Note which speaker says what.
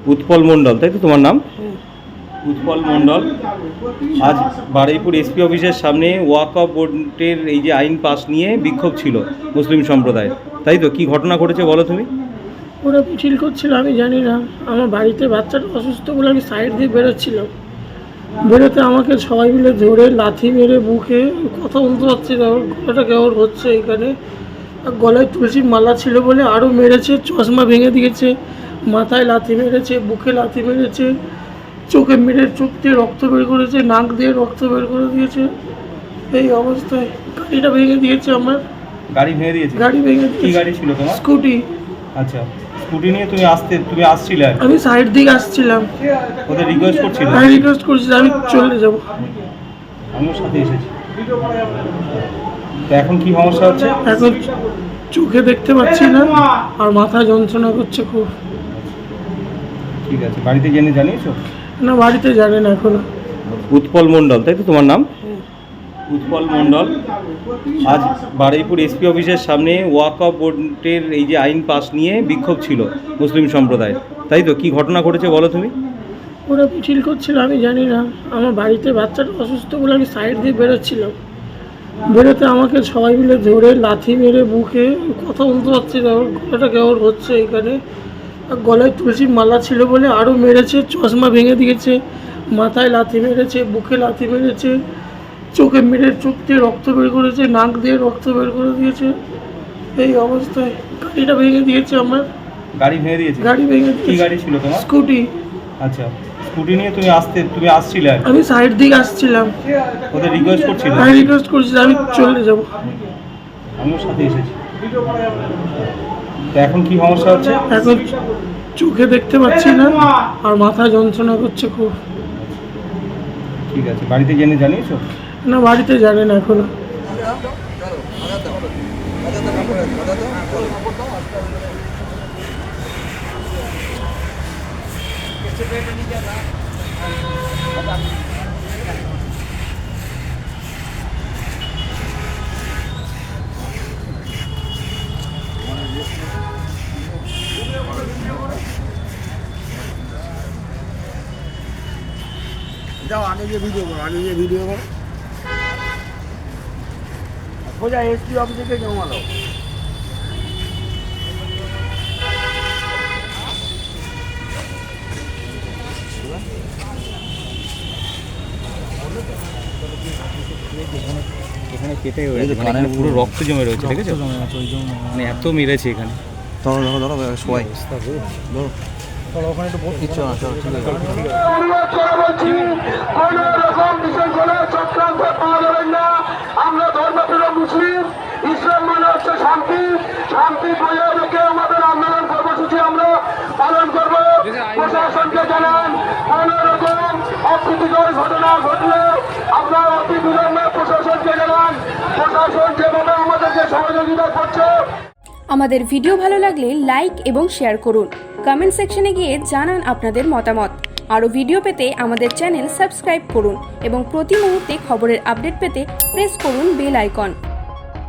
Speaker 1: উৎপল মণ্ডল, তাই তো তোমার নাম? উৎপল মণ্ডল আজ বারুইপুর এসপি অফিসের সামনে ওয়াকফ বোর্ডের এই যে আইন পাস নিয়ে বিক্ষোভ ছিল মুসলিম সম্প্রদায়, তাই তো? কি ঘটনা ঘটেছে বলো তুমি?
Speaker 2: ওরা মিছিল করছিল, আমি জানি না। আমার বাড়িতে বাচ্চাটা অসুস্থ বলে আমি সাইড দিয়ে বেরোচ্ছিলাম। বেরোতে আমাকে সবাই মিলে ধরে লাথি মেরে বুকে, কথা বলতে পারছি না, ওর গলাটা কেমন হচ্ছে এখানে। আর গলায় তুলসীর মালা ছিল বলে আরও মেরেছে, চশমা ভেঙে দিয়েছে, মাথায় লাথি মেরেছে, বুকে লাথি মেরেছে, চোখে মেরে চোখ দিয়ে রক্ত বের করেছে, নাক দিয়ে রক্ত বের করে দিয়েছে। এই অবস্থায় গাড়িটা ভেঙে দিয়েছে আমার।
Speaker 1: গাড়ি ভেঙে দিয়েছে?
Speaker 2: গাড়ি ভেঙে
Speaker 1: কি
Speaker 2: দিয়েছে।
Speaker 1: গাড়ি ছিল তোমার?
Speaker 2: স্কুটি।
Speaker 1: আচ্ছা, স্কুটি নিয়ে তুমি আসছিলে আর কি?
Speaker 2: আমি সাইড দিকে আসছিলাম।
Speaker 1: ওদের রিকোয়েস্ট করছিলে?
Speaker 2: আমি রিকোয়েস্ট করছি আমি চলে যাব।
Speaker 1: আমিও সাথে এসেছি। তো এখন কি সমস্যা হচ্ছে?
Speaker 2: এখন চোখে দেখতে পাচ্ছি না আর মাথা যন্ত্রণা করছে খুব।
Speaker 1: ঠিক আছে, বাড়িতে জানিয়েছো?
Speaker 2: না, বাড়িতে জানেন এখনো।
Speaker 1: উৎপল মণ্ডল, তাই তো তোমার নাম? উৎপল মণ্ডল আজ বারুইপুর এসপি অফিসের সামনে ওয়াকফ বোর্ডের এই যে আইন পাস নিয়ে বিক্ষোভ ছিল মুসলিম সম্প্রদায়, তাই তো? কি ঘটনা ঘটেছে বলো তুমি?
Speaker 2: ওরা মিছিল করছিল, আমি জানি না। আমার বাড়িতে বাচ্চাটা অসুস্থ বলে আমি সাইড দিয়ে বেরোচ্ছিলাম। বেরোতে আমাকে সবাই মিলে ধরে লাথি মেরে বুকে, কথা বলতে পারছি না, ওর গলাটা কেমন হচ্ছে এখানে। আর গলায় তুলসীর মালা ছিল বলে আরও মেরেছে, চশমা ভেঙে দিয়েছে, মাথায় লাথি মেরেছে, বুকে লাথি মেরেছে, চোখে মেরে চোখ দিয়ে রক্ত বের করেছে, নাক দিয়ে রক্ত বের করে দিয়েছে। এই অবস্থায় গাড়িটা ভেঙে দিয়েছে আমার।
Speaker 1: গাড়ি ভেঙে দিয়েছে?
Speaker 2: গাড়ি ভেঙে
Speaker 1: কি
Speaker 2: দিয়েছে।
Speaker 1: গাড়ি ছিল তোমার?
Speaker 2: স্কুটি।
Speaker 1: আচ্ছা, স্কুটি নিয়ে তুমি আসছিলে আর কি?
Speaker 2: আমি সাইড দিকে আসছিলাম।
Speaker 1: ওদের রিকোয়েস্ট করছিলে?
Speaker 2: আমি রিকোয়েস্ট করছি আমি চলে যাব।
Speaker 1: আমিও সাথে এসেছি। তো এখন কি সমস্যা হচ্ছে?
Speaker 2: এখন চোখে দেখতে পাচ্ছি না আর মাথা যন্ত্রণা করছে খুব।
Speaker 1: ঠিক আছে, বাড়িতে জানিয়েছো?
Speaker 2: না, বাড়িতে জানেন এখনো।
Speaker 3: যাও আগে গিয়ে ভিডিও করো, সোজা এসপি অফিসে জমালো।
Speaker 1: এখানে কেটে রয়েছে, মানে পুরো রক্ত জমে রয়েছে, দেখেছো? মানে এত মেরেছে এখানে।
Speaker 3: ধরো সবাই ধরো ওখানে একটু কিচ্ছু না, চলো ঠিক আছে।
Speaker 4: আমরা ধর্মপ্রিয় মুসলিম, ইসলাম মানে হচ্ছে শান্তি, শান্তি বজায় রেখে আমাদের আন্দোলন কর্মসূচি আমরা পালন করব। প্রশাসনকে জানান কোন রকম অপ্রীতিকর ঘটনা ঘটলে আপনারা অতি বিলম্বে প্রশাসনকে জানান। প্রশাসন যেভাবে আমাদেরকে সহযোগিতা করছে।
Speaker 5: আমাদের ভিডিও ভালো লাগলে লাইক এবং শেয়ার করুন। কমেন্ট সেকশনে গিয়ে জানান আপনাদের মতামত। আরও ভিডিও পেতে আমাদের চ্যানেল সাবস্ক্রাইব করুন এবং প্রতি মুহূর্তে খবরের আপডেট পেতে প্রেস করুন বেল আইকন।